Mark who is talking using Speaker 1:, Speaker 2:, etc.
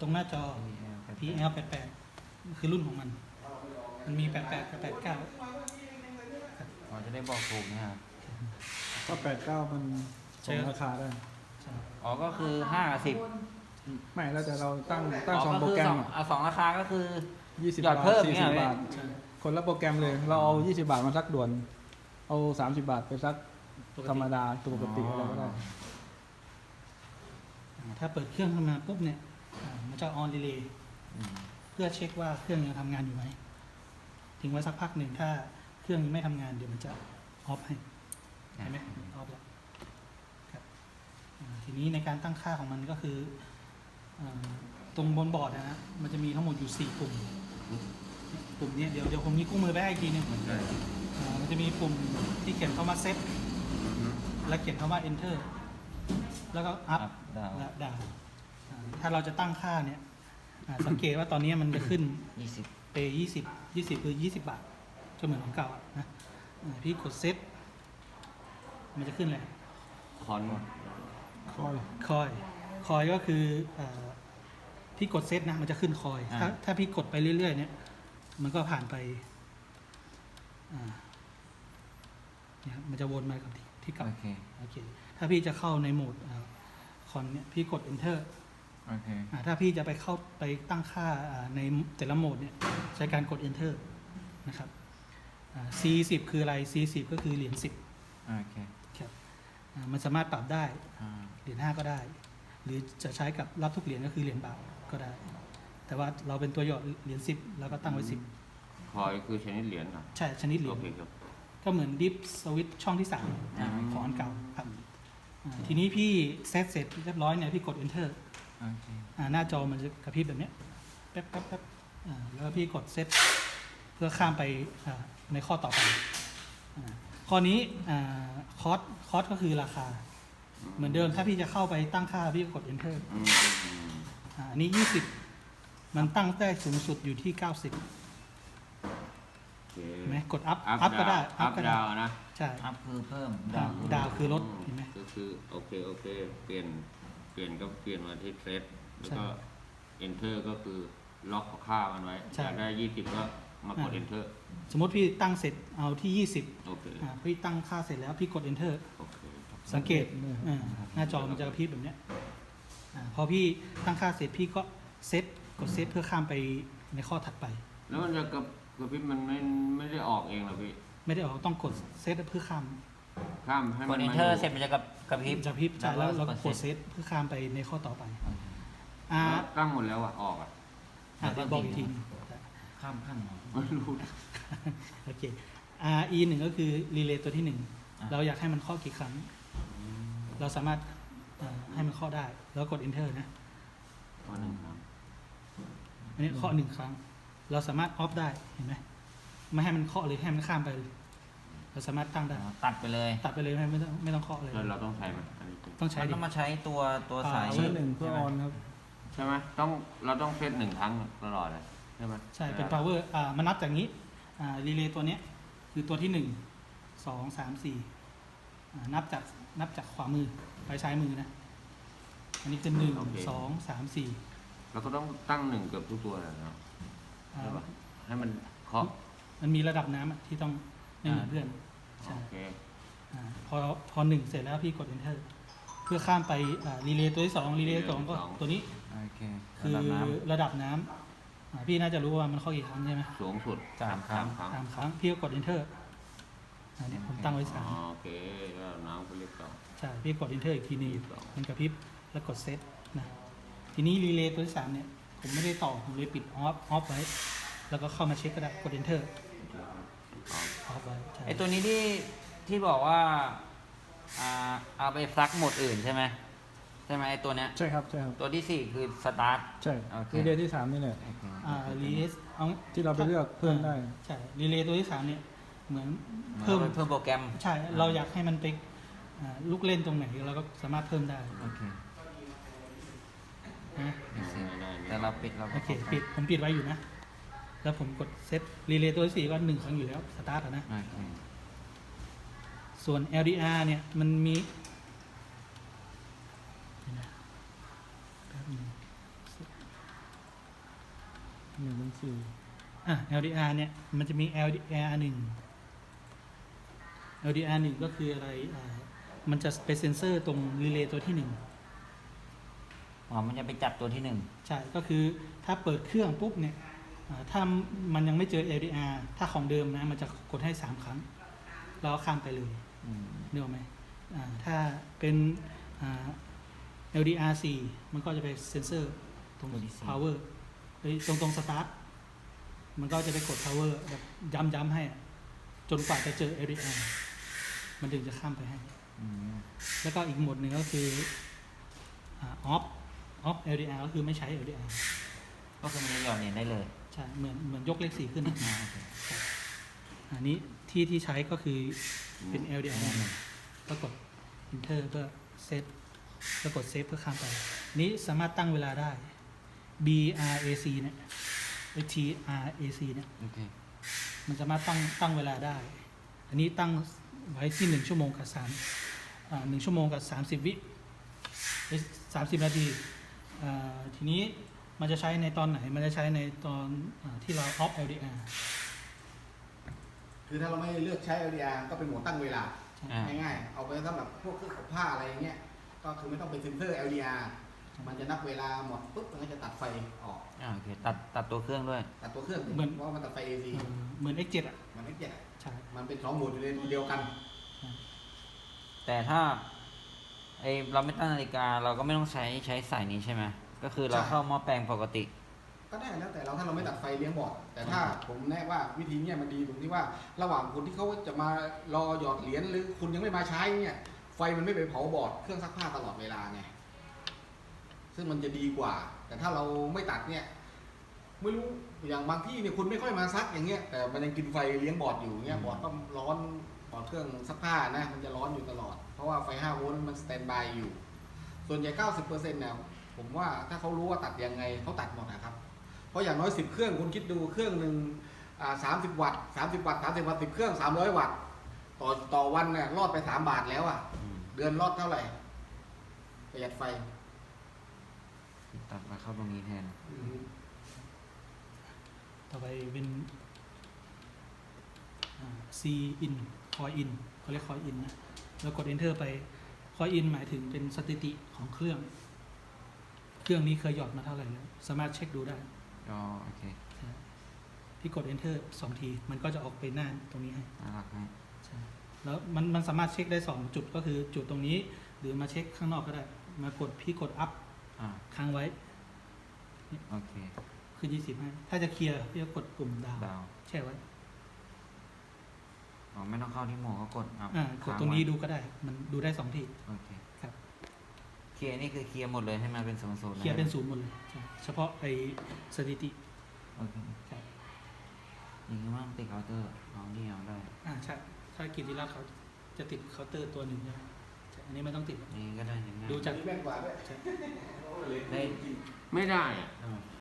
Speaker 1: รงหน้าจอ PL88 คือรุ่นของมันมี88กับ89
Speaker 2: อ๋อจะได้บอกถูกนะครับ
Speaker 3: ก็89มันส่งราคาได้
Speaker 2: อ๋อก็คือ5 กับ 10
Speaker 3: ไม่แล้วแต่เราตั้ง2โปรแกรม
Speaker 2: สองราคาก็คือ
Speaker 3: 20
Speaker 2: หยอดเพิ่ม
Speaker 3: 40 บาทคนละโปรแกรมเลยเราเอา20 บาทมาซักด่วนเอา30 บาทไปซักธรรมดาปกติอะไรก็ได้
Speaker 1: ถ้าเปิดเครื่องขึ้นมาปุ๊บเนี่ยมันจะออนรีเลย์เพื่อเช็คว่าเครื่องยังทำงานอยู่ไหมทิ้งไว้สักพักหนึ่งถ้าเครื่องยังไม่ทำงานเดี๋ยวมันจะออฟให้เห็นไหมออฟแล้วทีนี้ในการตั้งค่าของมันก็คือตรงบนบอร์ดนะมันจะมีทั้งหมดอยู่4ปุ่มนี้เดี๋ยวผมมีคู่มือไปให้อีกทีนึงมันจะมีปุ่มที่เขียนคำว่าเซตและเขียนคำว่า enter แล้วก็ up และ down ถ้าเราจะตั้งค่าเนี่ยสังเกตว่าตอนนี้มันจะขึ้นเปย์20คือ20 บาทก็เหมือนของเก่านะพี่กดเซตมันจะขึ้นเลยคอยก็คือพี่กดเซตนะมันจะขึ้นคอยถ้าพี่กดไปเรื่อยๆเนี่ยมันก็ผ่านไปเนี่ยมันจะวนมากับที่เก่าโอเคถ้าพี่จะเข้าในโหมดคอนเนี่ยพี่กด enter ถ้าพี่จะไปตั้งค่าในแต่ละโหมดเนี่ยใช้การกด enter นะครับC10 คืออะไร C10 ก็คือเหรียญ10ครับมันสามารถปรับได้เหรียญ5ก็ได้หรือจะใช้กับรับทุกเหรียญก็คือเหรียญบาทก็ได้แต่ว่าเราเป็นตัวหยอดเหรียญ10แล้วก็ตั้งไว้10
Speaker 4: คอยคือชนิดเหรียญครับ
Speaker 1: ใช่ชนิดเหรียญก็เหมือนดิฟสวิตช่องที่3ของอันเก่าครับทีนี้พี่เซตเสร็จเรียบร้อยเนี่ยพี่กด enter หน้าจอมันจะกระพริบแบบนี้แป๊บแล้วพี่กดเซตเพื่อข้ามไปในข้อต่อไปข้อนี้คอสก็คือราคาเหมือนเดิมถ้าพี่จะเข้าไปตั้งค่าพี่กด enter อันนี้20มันตั้งได้สูงสุดอยู่ที่90เห็นไหมกด up ก็ได้
Speaker 4: up ดาวนะ
Speaker 1: ใช่
Speaker 2: up คือเพิ่ม
Speaker 1: ดาวคือลดเห็นไหม
Speaker 4: ก็คือโอเคเปลี่ยนก็เปลี่ยนมาที่เซตแล้วก็ enter ก็คือล็อกค่ามันไว้อยากได้20ก็มากด enter
Speaker 1: สมมติพี่ตั้งเสร็จเอาที่20
Speaker 4: โอเค
Speaker 1: พี่ตั้งค่าเสร็จแล้วพี่กด enter สังเกตหน้าจอมันจะกระพริบแบบนี้พอพี่ตั้งค่าเสร็จพี่ก็กดเซตเพื่อข้ามไปในข้อถัดไป
Speaker 4: แล้วมันจะกระพริบมันไม่ได้ออกเองหรอพี่
Speaker 1: ไม่ได้ออกต้องกดเซตเพื่อข้าม
Speaker 4: ให้มัน
Speaker 2: กด enter เสร็จมันจะกระพริบ
Speaker 1: ใช่แล้วเราก็กดเซตเพื่อข้ามไปในข้อต่อไป
Speaker 4: ตั้งหมดแล้วออก
Speaker 1: เดี๋ยวบอกอีกที
Speaker 2: ข้ามขั้น
Speaker 4: ไม่รู้
Speaker 1: โอเคE1ก็คือรีเลย์ตัวที่1เราอยากให้มันข้อกี่ครั้งเราสามารถให้มันข้อได้แล้วกด enter นะ
Speaker 4: ข้อ1ครั้ง
Speaker 1: อันนี้ข้อ1ครั้งเราสามารถออฟได้เห็นไหมไม่ให้มันเคาะเลยให้มันข้ามไปเราสามารถตั้งได้
Speaker 2: ตัดไปเลย
Speaker 1: ไม่ต้องเคาะเลย
Speaker 4: เราต้องใช้มันอันนี้
Speaker 1: ต้องใช้
Speaker 2: ต้องมาใช้ตัวสาย
Speaker 3: 1เพื่อออนครับ
Speaker 4: ใช่ไหมเราต้องเซต1ครั้งตลอดเลยใช่ไหม
Speaker 1: ใช่เป็น power มันนับจากนี้รีเลย์ตัวนี้คือตัวที่1 2 3 4นับจากขวามือไปซ้ายมือนะอันนี้คือ1 2 3 4
Speaker 4: เราก็ต้องตั้ง1เกือบทุกตัวเลยนะใช่ป่ะให้มันเคาะ
Speaker 1: มันมีระดับน้ำที่ต้องไม่เหมือนเพื่อนใช่พอ1เสร็จแล้วพี่กด enter เพื่อข้ามไปรีเลย์ตัวที่2รีเลย์2ก็ตัวนี้คือระดับน้ำพี่น่าจะรู้ว่ามันข้อกี่ครั้งใช่ไหม
Speaker 4: สูงสุด3 ครั้ง
Speaker 1: พี่ก็กด enter เนี่ยผมตั้งไว้
Speaker 4: โอเคแล้วน้ำก็เรียกต่อ
Speaker 1: ใช่พี่กด enter อีกทีนึงมันกระพริบแล้วกดเซตนะทีนี้รีเลย์ตัวที่3เนี่ยผมไม่ได้ต่อผมเลยปิดออฟไว้แล้วก็เข้ามาเช็คก็ได้กด enter ออฟไว้
Speaker 2: ไอตัวนี้ที่บอกว่าเอาไปซักโหมดอื่นใช่ไหมไอตัวเนี้ย
Speaker 3: ใช่ครับ
Speaker 2: ตัวที่4คือสตาร์ท
Speaker 3: ใช่รีเลย์ที่3นี่แหละ
Speaker 1: รีเลย์
Speaker 3: ที่เราไปเลือกเพิ่มได้
Speaker 1: ใช่รีเลย์ตัวที่3เนี่ยเหมือนเพิ่ม
Speaker 2: โปรแกรม
Speaker 1: ใช่เราอยากให้มันไปลูกเล่นตรงไหนเราก็สามารถเพิ่มได้
Speaker 2: แต่เราปิด
Speaker 1: โอเคผมปิดไว้อยู่นะแล้วผมกดเซตรีเลย์ตัวที่4ก็1ครั้งอยู่แล้วสตาร์ทนะส่วน LDR เนี่ยมันมี
Speaker 3: 1-4
Speaker 1: LDR เนี่ยมันจะมี LDR 1 LDR 1ก็คืออะไรมันจะเป็นเซนเซอร์ตรงรีเลย์ตัวที่
Speaker 2: อ๋อมันจะไปจับตัวที่หนึ่ง
Speaker 1: 1ใช่ก็คือถ้าเปิดเครื่องปุ๊บเนี่ยถ้ามันยังไม่เจอ LDR ถ้าของเดิมนะมันจะกดให้3ครั้งแล้วก็ข้ามไปเลย
Speaker 2: อืม
Speaker 1: นึกออกไหมถ้าเป็นLDR 4มันก็จะไปเซนเซอร์ตรง power ตรง start มันก็จะไปกด power แบบย้ำให้อะจนกว่าจะเจอ LDR มันถึงจะข้ามไปให้
Speaker 2: อืม
Speaker 1: แล้วก็อีกโหมดหนึ่งก็คือoff LDR ก็คือไม่ใช้ LDR
Speaker 2: ก็คือมันจะหย่อนเหรียญได้เลย
Speaker 1: ใช่เหมือนยกเลข4ขึ้นนะ
Speaker 2: โอเค
Speaker 1: อันนี้ที่ใช้ก็คือเป็น LDR ก็กด enter เพื่อเซฟแล้วกดเซฟเพื่อข้ามไป นี้สามารถตั้งเวลาได้ BRAC เนี่ย TRAC เนี่ย
Speaker 2: โอเค
Speaker 1: มันสามารถตั้งเวลาได้ อันนี้ตั้งไว้ที่1 ชั่วโมงกับ1 ชั่วโมงกับ30 วิ30 นาทีทีนี้มันจะใช้ในตอนไหน มันจะใช้ในตอนที่เรา off LDR
Speaker 5: คือถ้าเราไม่เลือกใช้ LDR ก็เป็นโหมดตั้งเวลา
Speaker 2: อ่า
Speaker 5: ง่ายๆ เอาไปสำหรับพวกเครื่องอบผ้าอะไรอย่างเงี้ย ก็คือไม่ต้องเป็นเซนเซอร์ LDR มันจะนับเวลาหมดปุ๊บมันก็จะตัดไฟออก
Speaker 2: โอเคตัดตัวเครื่องด้วย
Speaker 5: ตัดตัวเครื่อง
Speaker 1: เหมือน
Speaker 5: เพราะว่ามันตัดไฟ AC
Speaker 1: เหมือน X7 อ่ะ
Speaker 5: มันไม่เจ็ดอะ
Speaker 1: ใช่
Speaker 5: มันเป็น2 โหมดอยู่ในเดียวกัน
Speaker 2: แต่ถ้าเราไม่ตั้งนาฬิกาเราก็ไม่ต้องใช้สายนี้ใช่ไหมก็คือเรา
Speaker 5: ใช่
Speaker 2: เข้าหม้อแปลงปกติ
Speaker 5: ก็ได้แล้วแต่เราถ้าเราไม่ตัดไฟเลี้ยงบอร์ดแต่ถ้าผมแนะว่าวิธีเนี้ยมันดีตรงที่ว่าระหว่างคนที่เขาจะมารอหยอดเหรียญหรือคุณยังไม่มาใช้เนี่ยไฟมันไม่ไปเผาบอร์ดเครื่องซักผ้าตลอดเวลาไงซึ่งมันจะดีกว่า แต่ถ้าเราไม่ตัดเนี่ยไม่รู้อย่างบางที่เนี่ยคุณไม่ค่อยมาซักอย่างเงี้ยแต่มันยังกินไฟเลี้ยงบอร์ดอยู่เงี้ยบอร์ดก็ร้อนบอร์ดเครื่องซักผ้านะมันจะร้อนอยู่ตลอดเพราะว่าไฟ5 โวลต์มันสแตนบายอยู่ส่วนใหญ่ 90%เนี่ยผมว่าถ้าเขารู้ว่าตัดยังไงเขาตัดหมดนะครับ เพราะอย่างน้อย10 เครื่องคุณคิดดูเครื่องหนึ่ง30 วัตต์30 วัตต์30 วัตต์10 เครื่อง300 วัตต์ต่อวันเนี่ยรอดไป3 บาทแล้วอ่ะ
Speaker 2: อืม
Speaker 5: เดือนรอดเท่าไหร่ประหยัดไฟ
Speaker 2: ตัดมาเข้าตรงนี้แทน
Speaker 1: ต่อไปเป็น C in coin in เขาเรียก coin in นะแล้วกด enter ไป coin in หมายถึงเป็นสถิติของเครื่อง เครื่องนี้เคยหยอดมาเท่าไหร่แล้วสามารถเช็คดูได้
Speaker 2: อ๋อโอเค
Speaker 1: ที่กด enter 2 ทีมันก็จะออกไปหน้าตรงนี้ให้
Speaker 2: น่ารักไหม
Speaker 1: ใช่แล้วมันสามารถเช็คได้2 จุดก็คือจุดตรงนี้ หรือมาเช็คข้างนอกก็ได้ มากดพี่กด up
Speaker 2: อ่า
Speaker 1: ค้างไว้
Speaker 2: โอเค
Speaker 1: คือ20ให้ถ้าจะเคลียร์พี่ก็กดปุ่มดาว
Speaker 2: ดาว
Speaker 1: แช่ไว้
Speaker 2: อ๋อไม่ต้องเข้าที่โหมดก็กดเอา
Speaker 1: กดตรงนี้ดูก็ได้ มันดูได้2 ที
Speaker 2: โอเค
Speaker 1: ครับ
Speaker 2: เคลียร์นี่คือเคลียร์หมดเลยให้มาเป็นศูนย์
Speaker 1: เคลียร์เป็น0หมดเลยใช่เฉพาะไอ้สถิติ
Speaker 2: โอเค
Speaker 1: ครับ
Speaker 2: อย่างนี้ว่าติดเคาน์เตอร์เอานี่เอาได้
Speaker 1: ใช่ถ้ากิจที่รัฐเขาจะติดเคาน์เตอร์ตัวหนึ่งใช่ไหมใช่อันนี้ไม่ต้องติดหรอก
Speaker 2: นี่ก็ได้อย่างนี้
Speaker 1: ดูจาก
Speaker 5: แม่นกว่าด้วย
Speaker 2: ได้
Speaker 4: ไม่ได้อะ
Speaker 2: อ่า